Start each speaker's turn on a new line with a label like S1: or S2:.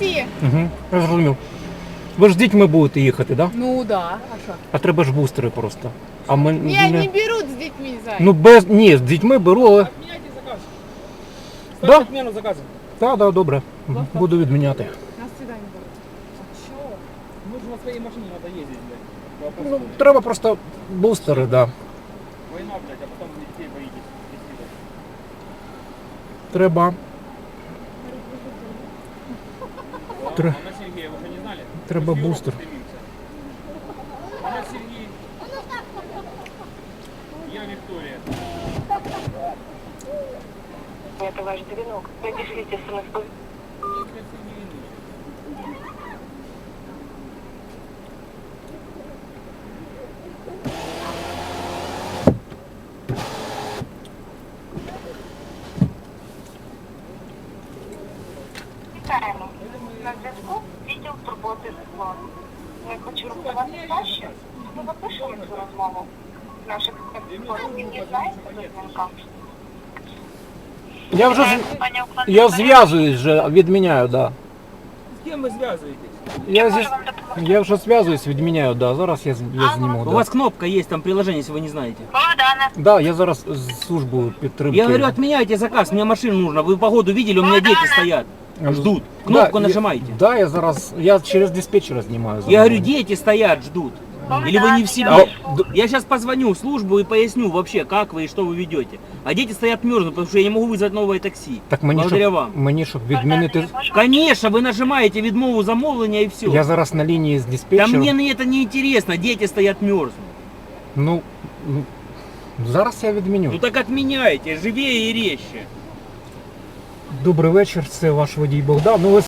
S1: таксі.
S2: Угу, я зрозумів. Ви ж з дітьми будете їхати, так? Да?
S1: Ну да, а що?
S2: А треба ж бустери просто. А ми
S1: Не, не беруть з дітьми, зай.
S2: Ну без. Ні, з дітьми беру, але.
S3: Отменяйте заказ.
S2: Да?
S3: Ставьте отмену заказа.
S2: Так, да, добре. Буду відміняти.
S1: Нас сюди не беруть.
S3: Чё? Мы же на своей машине надо ездить, блядь. Вопрос.
S2: Ну, треба просто бустери, так. Да.
S3: Война, блядь, а потом детей боитесь.
S2: Треба. Тре-
S3: Анна Сергея, вы же не знали?
S2: Треба
S3: Мы с Европы
S2: бустер.
S3: стремимся. Анна Сергей. Я Виктория.
S4: Это ваш звонок. Напишите смс.
S3: Виктор Сергеевич.
S4: Вітаємо. На зв'язку відділ турботи житло. Ми хочу розказати краще. Ми запишемо цю розмову. Наших спецслужбів дізнається до дзвінка.
S2: Я вже
S4: Пані Оксана,
S2: я зв'язуюсь вже, відміняю, да.
S3: С кем вы связываетесь?
S2: Я вже зв'язуюсь, відміняю, да. Зараз я зніму.
S5: У
S2: Да.
S5: вас кнопка есть, там приложение, если вы не знаете.
S4: Богдане.
S2: Да, я зараз з службою підтримки.
S5: Я говорю, отменяйте заказ, мне машину нужно. Вы погоду видели, у меня дети стоят. Ждут. Кнопку
S2: Да,
S5: нажимайте.
S2: Да, я зараз, я через диспетчера знімаю.
S5: Я говорю, дети стоят, ждут. Или вы не в себе?
S2: А,
S5: Я сейчас позвоню в службу и поясню вообще, как вы и что вы ведете. А дети стоят мерзнут, потому что я не могу вызвать новое такси.
S2: Так мені
S5: Благодаря
S2: щоб,
S5: вам.
S2: мені щоб відмінити.
S5: Конечно, вы нажимаете відмову замовлення и все.
S2: Я зараз на лінії з
S5: Да
S2: диспетчером.
S5: мне это не интересно, дети стоят мерзнут.
S2: Ну, зараз я відміню.
S5: Ну так отменяйте, живее и резче.
S2: Добрий вечір, це ваш водій Богдан. Ну, ви